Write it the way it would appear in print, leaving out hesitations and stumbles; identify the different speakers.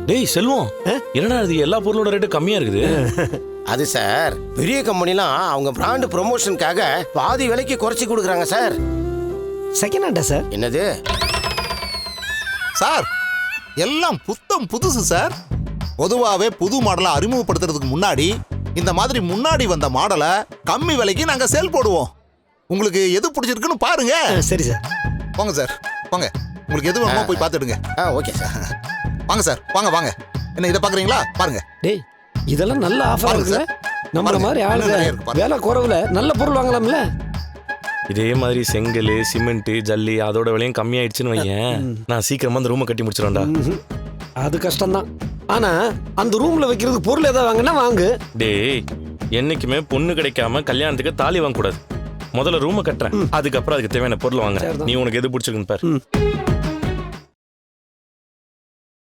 Speaker 1: டேய் செல்வம், என்னடா இது எல்லா பொருளோட ரேட்டு கம்மியா இருக்குது?
Speaker 2: அது சார், பெரிய கம்பெனிலாம் அவங்க பிராண்ட் ப்ரொமோஷனுக்காக பாதி விலைக்கு குறைச்சி கொடுக்குறாங்க சார்.
Speaker 3: செகண்ட் ஹேண்டா சார்?
Speaker 2: என்னது
Speaker 4: சார், எல்லாம் புத்தம் புதுசு சார். பொதுவாகவே புது மாடலை அறிமுகப்படுத்துறதுக்கு முன்னாடி இந்த மாதிரி முன்னாடி வந்த மாடலை கம்மி விலைக்கு நாங்க சேல் போடுவோம். உங்களுக்கு எது பிடிச்சிருக்குன்னு பாருங்க.
Speaker 3: சரி சார்.
Speaker 4: போங்க சார், போங்க. உங்களுக்கு எது வேணுமோ போய் பார்த்துடுங்க.
Speaker 2: Okay sir.
Speaker 4: வாங்க சார், வாங்க வாங்க. என்ன இதை பாக்குறீங்களா? பாருங்க.
Speaker 3: டேய், இதெல்லாம் நல்ல ஆஃபர் இருக்குல்ல? நம்மள மாதிரி ஆளுங்க
Speaker 4: பாருங்க.
Speaker 3: வேலை குறைவுல நல்ல பொருள் வாங்கலாம்ல?
Speaker 1: இதே மாதிரி செங்கல், சிமெண்ட், ஜல்லி அதோட விலையும் கம்மியாயிடுச்சுன்னு வையேன், நான் சீக்கிரமா அந்த ரூமை கட்டி முடிச்சிடும்டா.
Speaker 3: அது கஷ்டம்தான். ஆனா அந்த ரூம்ல வைக்கிறதுக்கு பொருள் ஏதாவது வாங்கினா வாங்கு.
Speaker 1: டேய், என்னைக்குமே பொண்ணு கிடைக்காம கல்யாணத்துக்கு தாலி வாங்க கூடாது. முதல்ல ரூமை கட்டுறேன், அதுக்கப்புறம் அதுக்கு தேவையான பொருள் வாங்குறேன். நீ உனக்கு எது பிடிச்சிருக்குன்னு பாரு.